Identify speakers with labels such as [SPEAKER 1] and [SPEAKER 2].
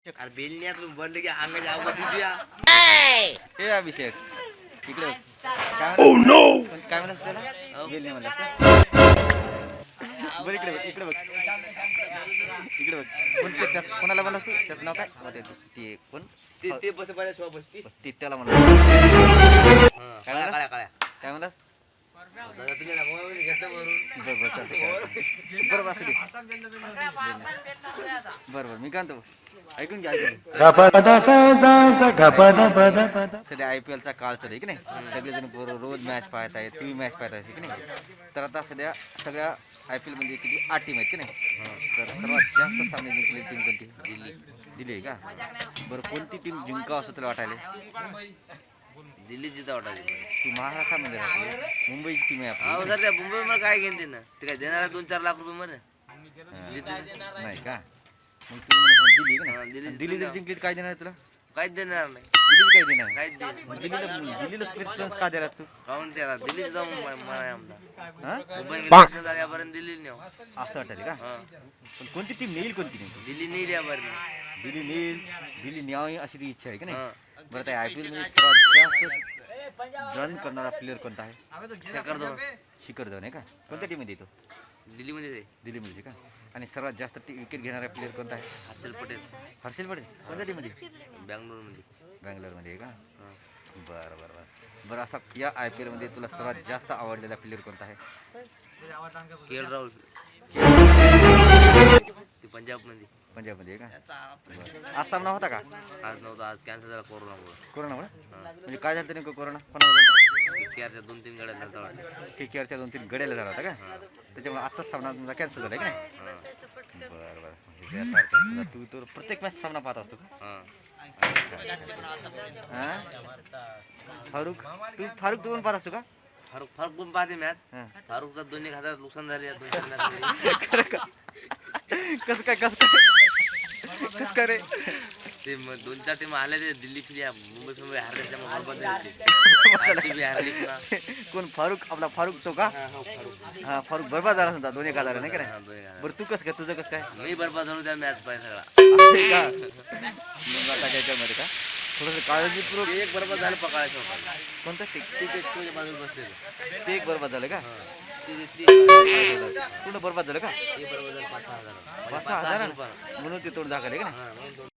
[SPEAKER 1] अरे बेलण्यात बनलं की अंगाच्या अवघड दिया
[SPEAKER 2] हे अभिषेक इकडे बघ. काय म्हणतात काय म्हणतात त्याला बेलणे म्हणतात बरं इकडे बघ इकडे बघ कोण ते त्यात कोणाला म्हणलास तू त्यात नाव काय मध्ये ते कोण
[SPEAKER 1] ते ते बस पाहिजे शॉप बसती
[SPEAKER 2] ते त्याला म्हणलं काय
[SPEAKER 1] काळ्या
[SPEAKER 2] म्हणलास
[SPEAKER 1] काळ्या
[SPEAKER 2] काय म्हणलास
[SPEAKER 1] दादा तुम्ही ना मोबाईल घेतलं वरून
[SPEAKER 2] बरं चालतंय बरं असू दे बरं मी काय म्हणतो ऐकून घ्या सध्या IPL चा काळ चालू आहे की नाही सगळेजण रोज मॅच पाहत आहेत टीव्ही मॅच पाहत आहेत की नाही तर आता सध्या सगळ्या IPL मध्ये किती 8 टीम आहेत की नाही तर सर्वात जास्त सामने जिंकलेली टीम कोणती दिल्ली आहे का बरं कोणती टीम जिंकावं असं तुला वाटायला
[SPEAKER 1] दिल्ली जिथं वाटायची
[SPEAKER 2] तू महाराष्ट्रामध्ये राहते मुंबईची टीम आहे
[SPEAKER 1] अहो
[SPEAKER 2] आपली
[SPEAKER 1] सर त्या मुंबई मला काय घेऊन देणार ते काय देणार 2-4 लाख रुपये मध्ये
[SPEAKER 2] नाही का मग तुला दिल्ली आहे
[SPEAKER 1] दिल्ली
[SPEAKER 2] का दिल्ली जर जिंकली तर काय देणार तुला
[SPEAKER 1] काहीच देणार नाही
[SPEAKER 2] दिल्ली काय देणार
[SPEAKER 1] काहीच देणार
[SPEAKER 2] दिल्लीला प्रेफरन्स का द्यायला तू
[SPEAKER 1] काहून ते आता दिल्लीत जाऊन मला आमदा
[SPEAKER 2] हा
[SPEAKER 1] मुंबई गेल्यापासून यापर्यंत दिल्ली नेऊ
[SPEAKER 2] असं वाटलं का पण कोणती टीम नेईल कोणती नाही
[SPEAKER 1] दिल्ली नाही यापर्यंत
[SPEAKER 2] दिल्ली नेईल दिल्ली न्यावी अशी ती इच्छा आहे की नाही बरं त्या IPL मध्ये सर्वात जास्त रन करणारा प्लेअर कोणता आहे
[SPEAKER 1] शेखर धवन
[SPEAKER 2] शिखर धवन आहे का कोणत्या टीममध्ये येतो
[SPEAKER 1] दिल्लीमध्ये
[SPEAKER 2] दिल्लीमध्ये का आणि सर्वात जास्त विकेट घेणारा प्लेअर कोणता आहे
[SPEAKER 1] हर्षल पटेल
[SPEAKER 2] हर्षल पटेल कोणत्या टीममध्ये
[SPEAKER 1] बँगलोरमध्ये
[SPEAKER 2] बँगलोरमध्ये आहे का बरं बरं बरं बरं असा या IPL मध्ये तुला सर्वात जास्त आवडलेला प्लेअर कोणता आहे
[SPEAKER 1] KL राहुल ते पंजाबमध्ये
[SPEAKER 2] पंजाबमध्ये आहे का बरं आज सामना होता का
[SPEAKER 1] आज नव्हता आज कॅन्सल झाला कोरोनामुळे
[SPEAKER 2] कोरोनामुळे म्हणजे काय झालं नेमकं कोरोना कोणाला झालं
[SPEAKER 1] KKRच्या 2-3 गाड्या झालता वाटतं
[SPEAKER 2] KKRच्या 2-3 गड्याला झाला होता का त्याच्यामुळे आजचाच सामना तुमचा कॅन्सल झाला का नाही बरं बरं म्हणजे तू तर प्रत्येक मॅच सामना पाहत असतो का हां फारुक तू पण पाहत असतो का
[SPEAKER 1] फारुक पण पाहते मॅच
[SPEAKER 2] हां
[SPEAKER 1] फारुकचा 2-1 नुकसान झाले 2-4 मॅच
[SPEAKER 2] कसं काय रे
[SPEAKER 1] ते 2-4 टीम आले ते दिल्ली मुंबई हारले त्यामुळे बरोबर हारली पुन्हा
[SPEAKER 2] कोण फारुक आपला फारुक तो का हा फारुक बरबाद झाला समजा 2-1 नाही का बरं तू कसं काय तुझं कसं काय
[SPEAKER 1] मी बरबाद झालो त्या मॅच पाहिजे सगळा
[SPEAKER 2] का मग आता त्याच्यामध्ये का थोडंसं काळजीपूर्वक
[SPEAKER 1] एक बरबाद झालं पकाळायचं होता
[SPEAKER 2] कोणतं
[SPEAKER 1] ते बाजूला बसलेलं
[SPEAKER 2] ते एक बरबाद झालं का
[SPEAKER 1] ते
[SPEAKER 2] पूर्ण बरबाद झालं का
[SPEAKER 1] बरोबर 5,000
[SPEAKER 2] 5,000 म्हणून ते तोड दाखवले का नाही